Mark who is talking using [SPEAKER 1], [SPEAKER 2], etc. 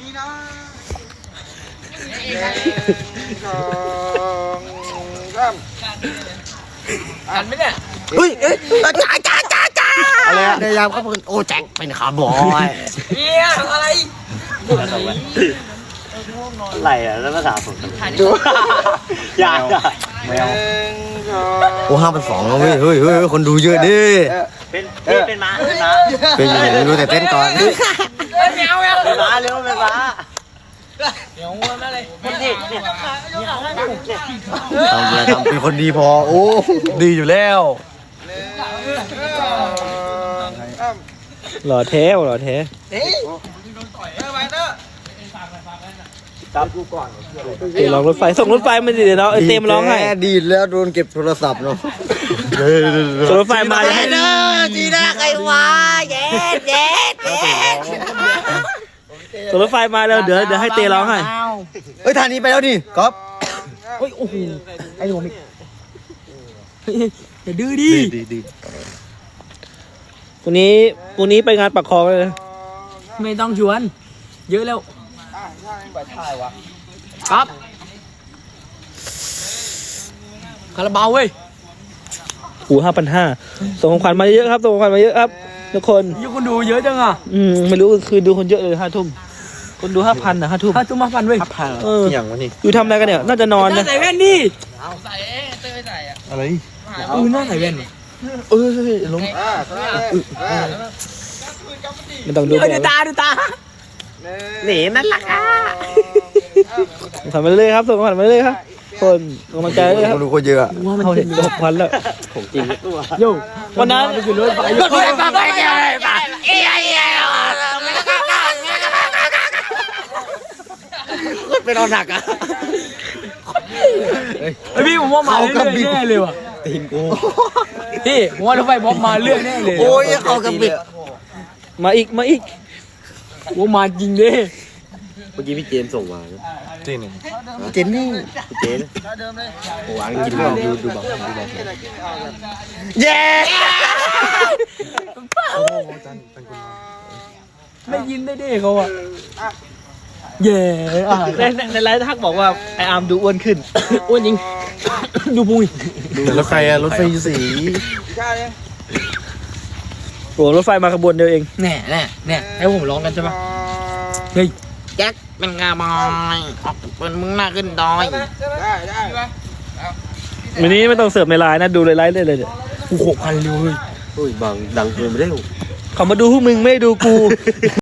[SPEAKER 1] นะสองสามอ่านไหมเนี่ยเฮ้ยจ้าอะไรอะในยามเขาเป็นโอ้แจ็คเป็นคาร์บอยเนี่ยอะไร
[SPEAKER 2] อะไรอ่ะแล้วภาษาผมดูยากไม่เอา
[SPEAKER 1] โอ้5,200แล้วเฮ้ยคนดูเยอะดิ
[SPEAKER 2] เป็นม้า
[SPEAKER 1] เป็นยังไงไม่รู้แต่เต้นก่อน
[SPEAKER 2] เป็นม้าเร็วเป็นม้า
[SPEAKER 3] เดี๋ยวงงนั่นเลย
[SPEAKER 2] คนเด็กเนี่ย
[SPEAKER 1] ทำเป็นคนดีพอโอ้ดีอยู่แล้ว
[SPEAKER 3] หล่อแท้หล่อแท้
[SPEAKER 2] จับกูก่อน
[SPEAKER 3] เดี๋ยวลองรถไฟส่งรถไฟมาดิเดี๋ยวเนาะเต็มร้องให้
[SPEAKER 1] ดีแล้วโดนเก็บโทรศัพท์เนาะ
[SPEAKER 3] ส่งรถไฟมา
[SPEAKER 1] ให้เด้อจีน่าใครวะเย็ด
[SPEAKER 3] ส่งรถไฟมาแล้วเดี๋ยวให้เตร้องให้
[SPEAKER 1] เฮ้ยทางนี้ไปแล้วดิก๊อฟ
[SPEAKER 3] เฮ้ยโอ้โหไอ้หัวมิอย่าดื้อดิพรุ่งนี้ไปงานปักคลองเลยไม่ต้องชวนเยอะแล้วครับคาราบาวเว้ยหู5,500ส่งของขวัญมาเยอะครับส่งของขวัญมาเยอะครับทุกคน
[SPEAKER 2] คนดูเยอะจังอ่ะ
[SPEAKER 3] ไม่รู้คือดูคนเยอะเลย5 ทุ่มคนดู5,000นะ5 ทุ่ม
[SPEAKER 2] 5,000เว้ย
[SPEAKER 1] อย่างวะนี่
[SPEAKER 3] อยู่ทำอะไรกันเนี่ยน่าจะนอนนะ
[SPEAKER 2] ใส่แว่นดิ
[SPEAKER 3] ใส่เต้ยใส่อะ
[SPEAKER 1] อะไร
[SPEAKER 2] น่าใส่แว่น
[SPEAKER 1] ล้ม
[SPEAKER 3] ไม่ต้องดู
[SPEAKER 2] ดูตาหนีนั่นแหละค่ะ
[SPEAKER 3] ทำไปเรื่อยครับส่งของขวัญมาเรื่อยครับคนกำลังใจเลยครับ
[SPEAKER 1] ดูคนเยอะ
[SPEAKER 3] เขาเห็น6,000แล้ว
[SPEAKER 2] ของจริง
[SPEAKER 3] โย่วันนั้นคือรถไฟ
[SPEAKER 1] เป็นเอาหนักอ่ะ
[SPEAKER 2] พี่ผมว่ามาเรื่อยแน่เลยว่ะ
[SPEAKER 1] ตีนกู
[SPEAKER 2] พี่ผมว่ารถไฟบ๊อบมาเรื่อยแน่เลย
[SPEAKER 1] โอ้ยเอากระบิด
[SPEAKER 3] มาอีก
[SPEAKER 2] ว่ามาจริงดิ
[SPEAKER 1] เมื่อกี้พี่เจนส่งมาเจนนี่พี่เจนโอ้ยกินแล้วดูบอกเย้
[SPEAKER 2] ไม่ยินได้ดิเขาอ่ะเย่
[SPEAKER 3] ในไลฟ์ทักบอกว่าไออาร์มดูอ้วนขึ้นอ้วนจริงดูปุ้ย
[SPEAKER 1] รถไฟรถไฟสี
[SPEAKER 3] โอ้รถไฟมาขบวนเดียวเอง
[SPEAKER 2] แน่ให้ผมร้องกันใช่ปะเฮ้ยแจ็คเป็นงาบอยเป็นมึงหน้าขึ้นดอย
[SPEAKER 1] ได้
[SPEAKER 3] วันนี้ไม่ต้องเสิร์ฟในไลน์นะดูในไลน์ได้เลยเดี๋ยว
[SPEAKER 2] 6,000เลย
[SPEAKER 1] โอ้ยบางดังเกินไปได้
[SPEAKER 3] เขามาดูพวกมึงไม่ดูกู